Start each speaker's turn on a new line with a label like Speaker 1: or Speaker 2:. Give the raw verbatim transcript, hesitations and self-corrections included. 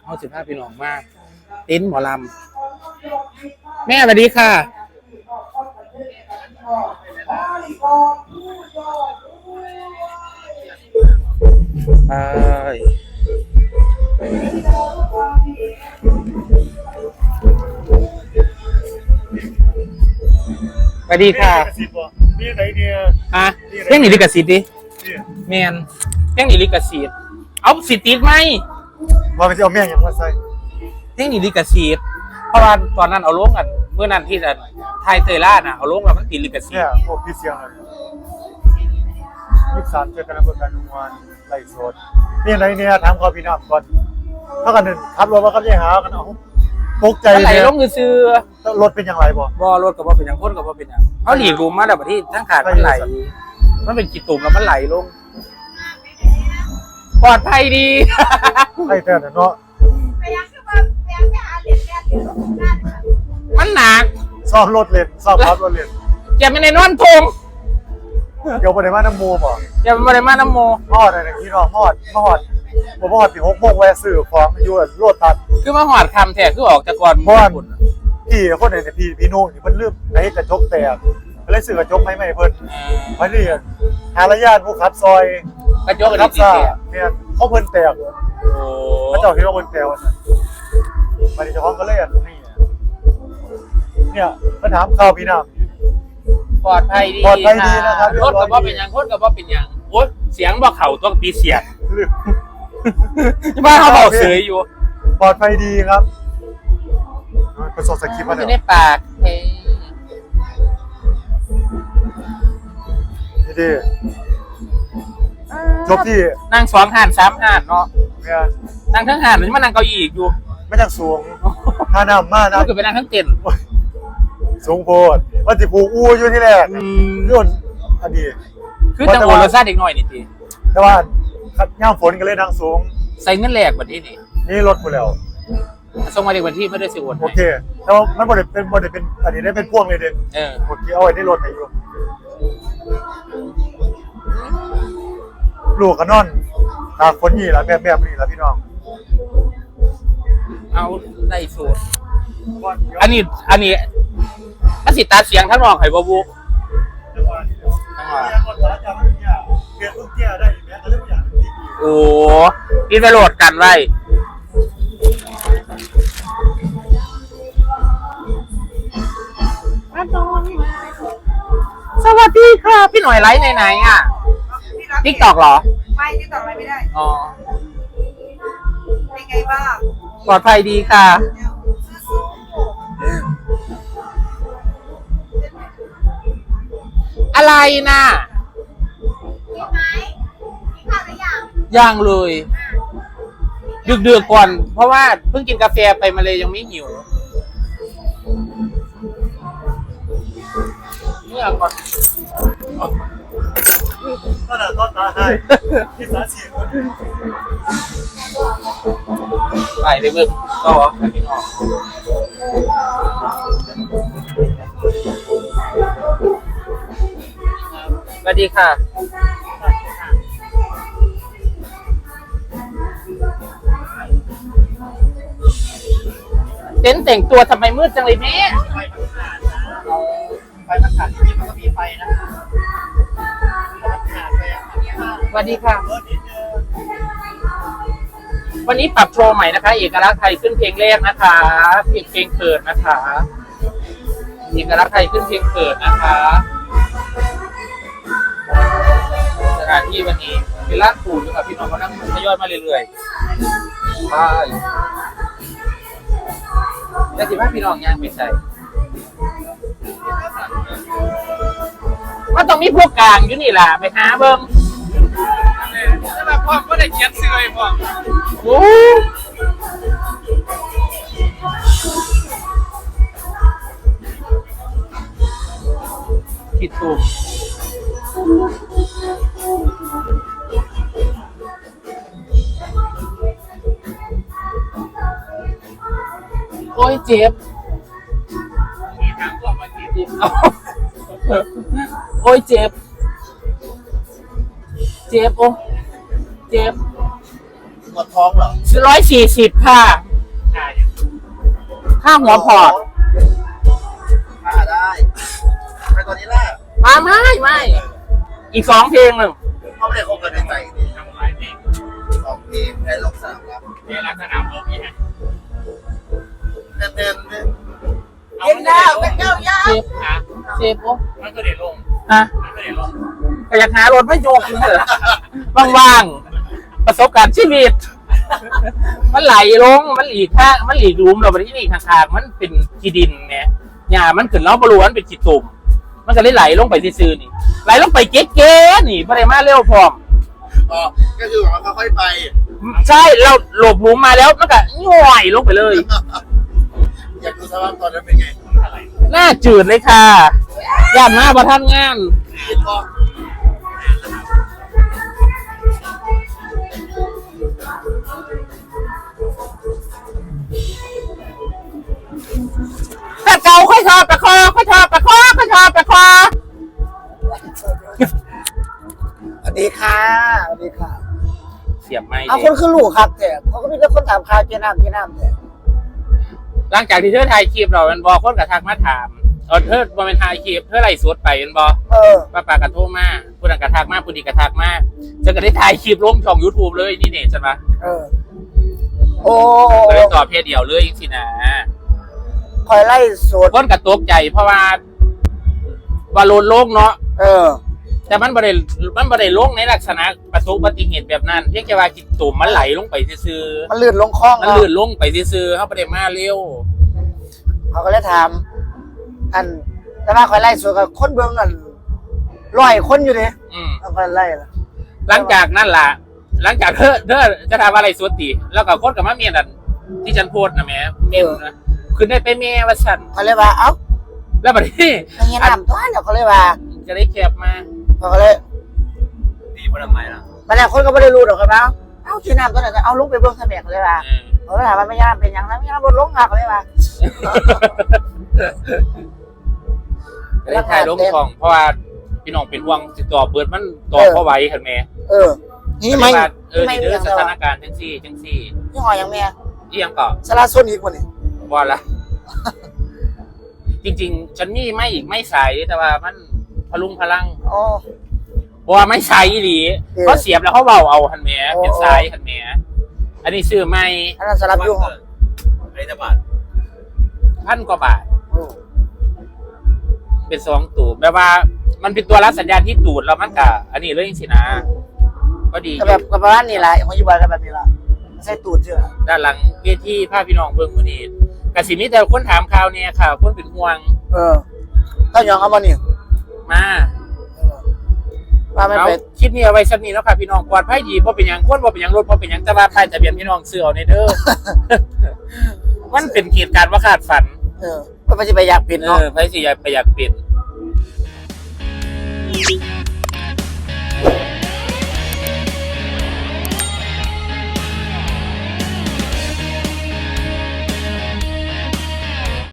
Speaker 1: เขาสิบห้าพี่น้องมากติ้นหมอลำแม่สวัสดีค่ะไปสวัสดีค่ะ
Speaker 2: นี่ไหนเนี่ย
Speaker 1: ฮะเพ่งหนีลิขสิทธิ์ดิแมนเพ่งหนีลิขสิทธิ์เอาสิทธิ์ติดไหม
Speaker 2: ว่าไปจะเอาแม่ยังมาใส่
Speaker 1: เพ่งหนีลิขสิทธิ์เพราะว่าตอนนั้นเอาลงกันเมื่อนั้นที่จะไทยเตยล่าน่ะเอาลงแล้วมันติดลิขสิท
Speaker 2: เนี่ย
Speaker 1: ธิ์
Speaker 2: พวกพี่เสียงเลยยี่สิบสามเจอกันนะเพื่อนกันวันไล่สดนี่ไหนเนี่ยถามเขาพี่น้ำก่อนถ้ากันหนึ่งขับรถว่าเขาจะหากันเอาตกใจ
Speaker 1: มันไหล
Speaker 2: เนี่ย
Speaker 1: ลงซื้อ
Speaker 2: รถเป็นอย่างไรบ่
Speaker 1: บ่รถกับบ่เป็นอย่างคนกับบ่เป็นอย่างเขาหลีกรูมมาแล้วบัดที่ทั้งขาดมันไหลมันเป็นกี่ตุ่มแล้วมันไหลลงปลอดภัยดี
Speaker 2: ให้แต่เนาะ
Speaker 1: มันหนัก
Speaker 2: ซ่อมรถเลนซ่อมรถรถเลน
Speaker 1: จะไม่ในนอนทง
Speaker 2: เดี๋ยวไปในบ้านน้ำมูบ่
Speaker 1: จะไม่ได้มาน้ำโม
Speaker 2: มอดอะไรที่น้องมอดมอดผมมอดปีหกโมงแวะซื้อของอยู่รถตัด
Speaker 1: คือมาหอดคำแท้คือออกจากก่อน
Speaker 2: เพราะว่าพี่คนไหนเนี่ยพี่พี่นุ่งนี่เพิ่นลืมไอ้กระจกแตกเลยซื้อกระจกให้ใหม่เพิ่นมาเรียนหาระยะผู้ขับซอย
Speaker 1: กระจกกระ
Speaker 2: รั
Speaker 1: ดิ
Speaker 2: บ
Speaker 1: ก
Speaker 2: ซ่า
Speaker 1: แท้
Speaker 2: เนี่ยเขาเพิ่นแตก
Speaker 1: โอ้
Speaker 2: พระเจ้าคิดว่าเพิ่นแตกว่าซั่นมาดิเจ้าของก็เลยอันนี่เนี่ยมาถามข่าวพี่น้ำ
Speaker 1: ปลอดภัยดี
Speaker 2: ปลอดภัยดีนะครับ
Speaker 1: รถกับบ่เป็นอย่างคนกับบ่เป็นอย่างโอ๊ยเสียงบ่เข่าต้องตีเสียงที่บ้านเขาบอกเสยอยู่
Speaker 2: ปลอดภัยดีครับประสบสกิปมา
Speaker 1: อ
Speaker 2: แล้ว
Speaker 1: ยู่ในปากเฮ้ย
Speaker 2: นี่ดิจบที่
Speaker 1: นั่งสองห่านสามห่านเนาะ
Speaker 2: เนี่ย
Speaker 1: นั่งทั้งห่านหรือมานั่งเก้าอี้อีกอยู่
Speaker 2: ไม่จากสูงท่าน้ำมากนะ
Speaker 1: ก็คือไปนั่งทั้งเต็นท์
Speaker 2: สูงโพดว่าสิผูกอู้อยู่ที่แรกนี่นอันนี้
Speaker 1: คือจังหวะรสชาติเด็กน้อยนี่ที
Speaker 2: แต่ว่าย่ามฝนก็เลยนั่งสูง
Speaker 1: ใส่เงินแหลกแบบนี้นี่
Speaker 2: นี่รถหมดแล้ว
Speaker 1: ส่งมาเด็กวันที่ไม่ได้สิโอน
Speaker 2: โอเคแต่ว่ามันบ่ได้เป็นบ่ได้เป็นอันนี้ได้เป็นพ่วงเลยเด็ก
Speaker 1: เออ
Speaker 2: โอเคเอาไว้ในรถให้อยู่ลูกก็นอนตากฝนนี่ล่ะแบบแบบนี้ล่ะพี่น้อง
Speaker 1: เอาได้สูตรอันนี้อันนี้มันสิตาเสียงทั้งนองไห้บ่บุทั้งว่าโอ้พี่ไปโหลดกันไว้สวัสดีค่ะพี่หน่อยไลฟ์ไหนๆอ่ะติ๊กตอกเหรอ
Speaker 3: ไม่ติ๊กตอกอะไรไม่ได้
Speaker 1: อ๋อ
Speaker 3: เป็นไงบ้าง
Speaker 1: ปลอดภัยดีค่ะอะไรนะ
Speaker 3: กินไหมกินข้าวหรือยัง
Speaker 1: ยังเลยดึกๆก่อนเพราะว่าเพิ่งกินกาแฟไปมาเลยยังไม่หิวเนี่ยก่อน
Speaker 2: ก็น่ะก็ตาให้ที่สาเสียง
Speaker 1: ไปเลยมึงก็ไปพี่น้องสวัสดีค่ะเต้นแต่งตัวทำไมมืดจังเลยแม่
Speaker 2: ไฟมันขาดที่มันก็มีไฟนะคะ
Speaker 1: สวัสดีค่ะวันนี้ปรับโชว์ใหม่นะคะเอกลักษณ์ไทยขึ้นเพลงแรกนะคะเพลงเพลงเปิดนะคะเอกลักษณ์ไทยขึ้นเพลงเปิดนะคะสถานที่วันนี้เป็นร้านปูนกับพี่น้องเขานั่งทยอยมาเรื่อยๆใช่แล้วสิว่าพี่น้องยังไม่ใช่มันต้องมีพวกกลางอยู่นี่แหละไปหาเบิ้งแต่แบบพ่อก็ได้เขียนซื้อไอ้พ่อโอ้คิดถูกโอ้ยเจ็บโอ้ยเจ็บเจ็บโอ้เจ็บ
Speaker 4: หมดท้องเหรอ
Speaker 1: ร้อยสี่สิบค่ะค่าหัวพอร์ต
Speaker 4: มาได้ไปตอนนี้ล่ะ
Speaker 1: มาไม่ไม่อีกสองเพลงหนึ่ง
Speaker 4: เขาไม่ได้คบกันในใจนี่ทำไรเพลงสองเพลงให้ลงสนามรับ
Speaker 1: เพลงรักสนามรบนี่ฮะ
Speaker 4: เต้นเต้นเต้น
Speaker 1: เย็นดาวเป็นเจ้ายาเซฟฮะเซฟปุ๊บมันก็เด็ดลงฮะมันก็เด็ดลงก็อยากหารถไม่โยกเลยว่างๆประสบการณ์ชีวิต มันไหลลงมันหลีกข้างมันหลีกหลุมเราไปที่นี่ข้างๆมันเป็นขี้ดินเนี่ยหญ้ามันขึ้นแล้วบริวารเป็นขี้ตุ่มมันก็เลยไหลลงไปซื่อๆนี่ไหลลงไปเก๊ๆนี่พอได้มาเร็วพร้อม
Speaker 4: อ๋อก็คือแบบว่าค่อยๆไป
Speaker 1: ใช่เราหลบหลุมมาแล้วมันก็ย่อยลงไปเลย
Speaker 4: อยากดูสภาพตอนนั้นเป็นไง
Speaker 1: หน้าจืดเลยค่ะย่านหน้าประท่านงาน
Speaker 4: คิดว่า
Speaker 1: ถ้าเกาค่อยชอบประคอค่อยชอบประคอค่อยชอบประคอ
Speaker 5: สวัสดีค่ะสวัสดีค่ะ
Speaker 1: เสียบไม่
Speaker 5: เอาคนคือลูกครับแต่เขาก็มีแต่คนถามข่าวเจ้น้ำเจ้น้ำแต่
Speaker 1: หลังจากที่เธอถ่ายคลิปเราเป็นบอคนกระทักมาถามเออเธอบอเป็นถ่ายคลิปเธอไล่สดไปเป็นบอ
Speaker 5: เออ
Speaker 1: ป้าปากระโทษมาผู้นั้นกระทักมาผู้นี้กระทักมาจะก็ได้ถ่ายคลิปลงช่อง YouTube เลยนี่เนี่ยใช่ปะ
Speaker 5: เออ โอ้
Speaker 1: ก็ได้ตอบเพจเดียวเลยจริงๆนะ
Speaker 5: คอยไล่สด
Speaker 1: คนกระตกใจเพราะว่าว่าโลนโลกเนาะ
Speaker 5: เออ
Speaker 1: แต่มันบริมันบริโลกในลักษณะประสบอุบัติเหตุแบบนั้นเพียงแค่ว่ากินตุ่มมันไหลลงไปซื่อ
Speaker 5: มันลื่นลงคลอง
Speaker 1: ๆมันลื่นลงไปซื่อๆเขาประเดี๋ยวมาเร็ว
Speaker 5: เขาก็เลยถาม อันแต่ว่าคอยไล่สดกับคนเบื้องอันร้อยคนอยู่ดิ
Speaker 1: อืม
Speaker 5: เอาคอยไล่ละ
Speaker 1: หลังจากนั้นล่ะ หลังจากเธอเธอจะทำอะไรสวดตีแล้วก็คนกับมาเมียนั่นที่ฉันโพสต์นะแม่เมียนะคือได้ไปเมียว่าฉัน
Speaker 5: เขาเลยว่า เอ้า
Speaker 1: แล้วบัดนี้
Speaker 5: ไม่เงี้ยน้ำตัวเดี๋ยวเขาเลยว่า
Speaker 1: จะได้แคบมา
Speaker 5: เขาก็เลย
Speaker 4: ดีเพราะทำไมล่ะ
Speaker 5: บางทีคนก็ไม่ได้รู้หรอกครับว่าเอ้าเจ้น้ำตัวไหนเอาลุกไปเบื้องเสมียเขาเลยว่า
Speaker 1: เออ
Speaker 5: เขาเลยถามว่าไม่ยน้ำเป็นยังไงไม่ยน้ำบนลงค่ะเขาเลยว่า
Speaker 1: จะได้ถ่ายลงช่องเพราะว่าพี่น้องเป็นห่วงติดต่อเบิร์ดมันต่อ
Speaker 5: เออ
Speaker 1: เข้าไว้เห็นไหม
Speaker 5: เออ นี่ไม่
Speaker 1: ว่าเออ
Speaker 5: ไม่
Speaker 1: นี่เด้อ
Speaker 5: ไม่
Speaker 1: สถานการณ์จังซี่จังซี่
Speaker 5: นี่หอยยังแม่
Speaker 1: เอียงก็
Speaker 5: สลาโซนอีกวันนี้
Speaker 1: ว่าละ จริงๆ ฉันมีไม่อีกไม่ใสแต่ว่ามันพลุงพลัง
Speaker 5: อ๋อ
Speaker 1: เพราะว่าไม่ใสอีหลี
Speaker 5: เออ
Speaker 1: เขาเสียบแล้วเขาเบาเอาหันแหม
Speaker 5: โอ้
Speaker 1: เป็นสายหันแหมอันนี้ซื้อไม่
Speaker 5: อันนั้นสลับยุ่ง
Speaker 4: ไอ้ตะบัด
Speaker 1: พันกว่าบาท เป็นสองตูดแบบว่า มันเป็นตัวรับสัญญาณที่ตูดแล้วมันกะอันนี้เลยจริงๆนะก็ดี
Speaker 5: ก็แบบกับประมาณนี้แหละของยูบายกันแบบนี้ละใส่ตูดเชื่อ
Speaker 1: ด้านหลังเวทีภาพพี่น้องเบิ้งมือนี้กสิมีแต่คนถามข่าวเนี่ยค่ะคนเป็นห่วง
Speaker 5: เออถ้ายองเอามานี่
Speaker 1: มา
Speaker 5: ว่าไม่
Speaker 1: เอา
Speaker 5: เป็น
Speaker 1: คลิปนี้เอาไว้สักนี้แล้วค่ะพี่น้องปลอดภัยดีเพราะเป็นอย่างคนเพราะเป็นอย่างรถเพราะเป็นอย่างแต่ว่าป้ายทะเบียนพี่น้องซื้อเอาในเด้อ มันเป็นเหตุการณ์ว่าคาดฝัน
Speaker 5: เออก็ไม่ใช่ไปอยากเป็น
Speaker 1: เอ
Speaker 5: เนาะ
Speaker 1: อไพ่สิอยากไปอยากเป็น